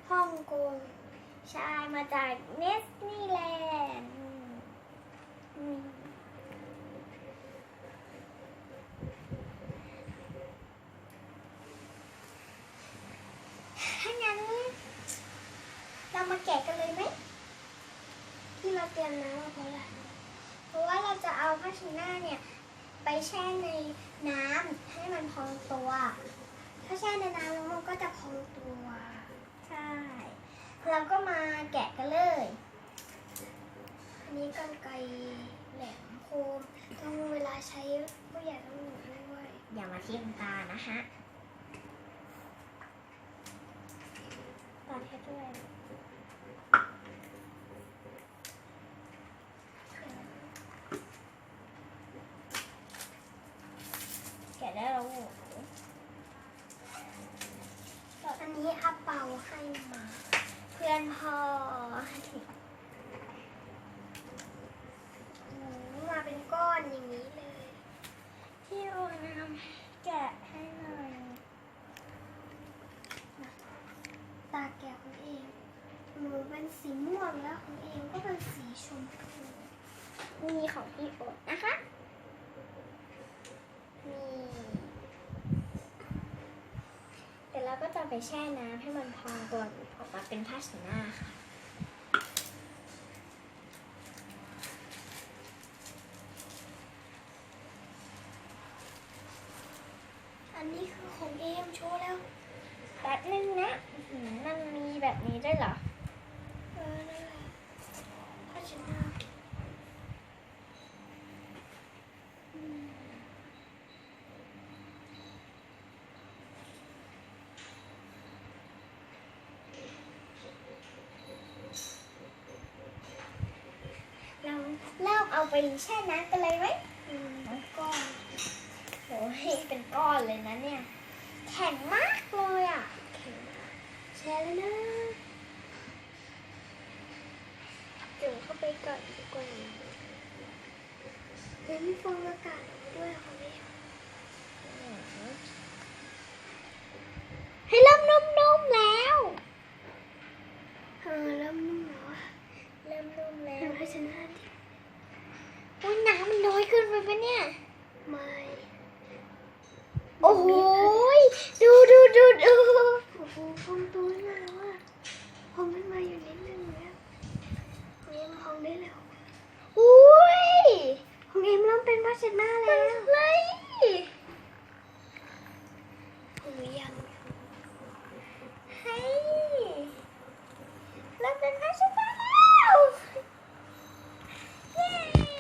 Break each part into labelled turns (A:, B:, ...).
A: ฮ่องกงใช่มาจากเนสนีแลนด์ถ้างั้นเรามาแกะกันเลยไหมที่เราเตรียมน้ำมาเพราะว่าเราจะเอาผ้าเช็ดหน้าเนี่ยไปแช่ในน้ำให้มันพองตัว ถ้าแช่ในน้ำแล้วมันก็จะพองตัว ใช่ เราก็มาแกะกันเลย อันนี้กรรไกรแหลมคมต้องเวลาใช้ผู้ใหญ่ต้องหนุนด้วยอย่ามาทิ่มตานะฮะตาแค่ด้วยแกะได้แล้วอันนี้อาเปาให้มาเพื่อนพอมาเป็นก้อนอย่างนี้เลยที่โอน้ำแกะให้หน่อยตาแกะของเองหนูเป็นสีม่วงแล้วของเองก็เป็นสีชมพูนี่ของพี่โอ๊ตนะคะนี่เดี๋ยวเราก็จะไปแช่น้ำให้มันพองตัวออกมาเป็นผ้าเช็ดหน้าค่ะอันนี้คือของเอมโชว์แล้วแป๊บนึงนะมันมีแบบนี้ด้วยเหรอนั่นแหละผ้าเช็ดหน้าเราเริ่มเอาไปแช่น้ำกันเลยไหมก้อนโอ้ยเป็นก้อนเลยนะเนี่ยแข็งมากเลยอ่ะแช่แล้วนะจุ่มเข้าไปก่อนดีกว่าเฮ้ยมีฟองอากาศด้วยค่ะแม่ให้เริ่มนุ่มๆแล้วเริ่มนุ่มแล้วเริ่มนุ่มแล้วให้ฉันหน้าดิโอ้ยน้ำมันน้อยเกินไปปะเนี่ยไม่โอ้โหดูโอ้โหพองตัวขึ้นมาแล้วอ่ะพองขึ้นมาอยู่นิดนึงแล้วของเอ็มพองได้แล้วอุ้ยของเอ็มเริ่มเป็นผ้าเช็ดหน้าแล้วเลยของหนูยังเฮ้ยเริ่มเป็นผ้าเช็ดหน้าแล้วเย้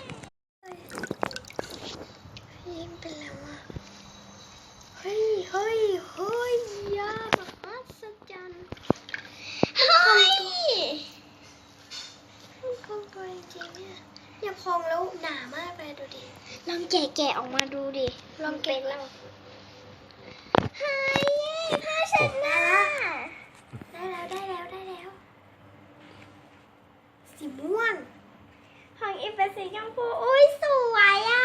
A: เอ็มเป็นแล้วอ่ะเฮ้ยยามหัศจรรย์เฮ้ยพองตัวจริงๆเนี่ยอย่าพองแล้วหนามากเลยดูดิลองแกะออกมาดูดิลองแกะแล้วเฮ้ยผ้าเช็ดหน้าได้แล้วสีม่วงของอีฟเป็นสีชมพูอุ้ยสวยอ่ะ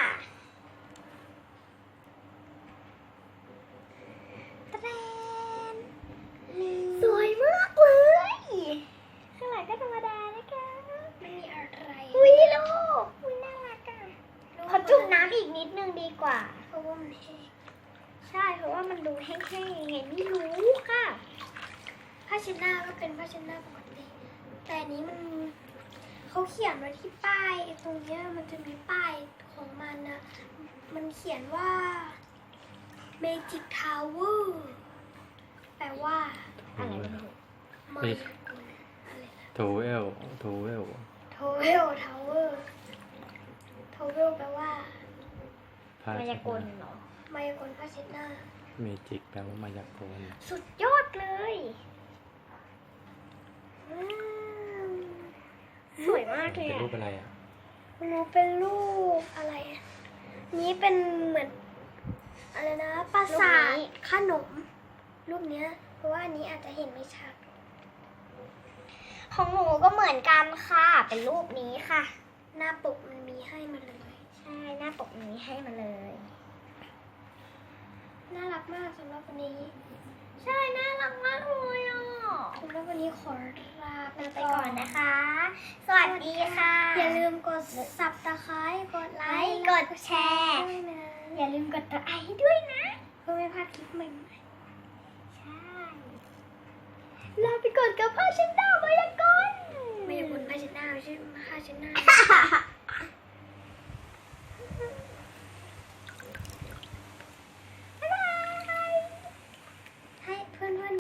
A: สวยมากเลยข้างหลังก็ธรรมดานะคะไม่มีอะไรอุ้ยลูกอุ้ยน่ารักอ่ะขอจุ่มน้ำอีกนิดนึงดีกว่าเพราะว่ามันแห้งใช่เพราะว่ามันดูแห้งๆยังไงไม่รู้ค่ะผ้าเช็ดหน้าก็เป็นผ้าเช็ดหน้าปกติแต่อันนี้มันเขาเขียนไว้ที่ป้ายตรงเนี้ยมันจะมีป้ายของมันนะมันเขียนว่า Magic Tower แปลว่าอะไรไม่รู้มายากลอะไรนะ
B: โทเวล
A: ทาวเวลทาวเวลแปลว่ามายากลเหรอมายากลผ้าเช็ดหน้า
B: เมจิกแปลว่ามายากล
A: สุดยอดเลยสวยมากเลย
B: เป็นรูปอะไรอ่ะ
A: เป็นรูปอะไรนี้เป็นเหมือนอะไรนะปราสาทขนมรูปเนี้ยเพราะว่าอันนี้อาจจะเห็นไม่ชัดของหนูก็เหมือนกันค่ะเป็นรูปนี้ค่ะหน้าปกมันมีให้มาเลยใช่หน้าปกมีให้มาเลยน่ารักมากสำหรับวันนี้ใช่น่ารักมากเลยอ่ะแล้ววันนี้ขอลาไปก่อนนะคะ สวัสดีค่ะ อย่าลืมกดซับสไครต์กดไลค์กดแชร์อย่าลืมกดตัวไอให้ด้วยนะเพื่อไม่พลาดคลิปใหม่ๆใช่ลาไปก่อนกับพ่อฉันดาวมายากล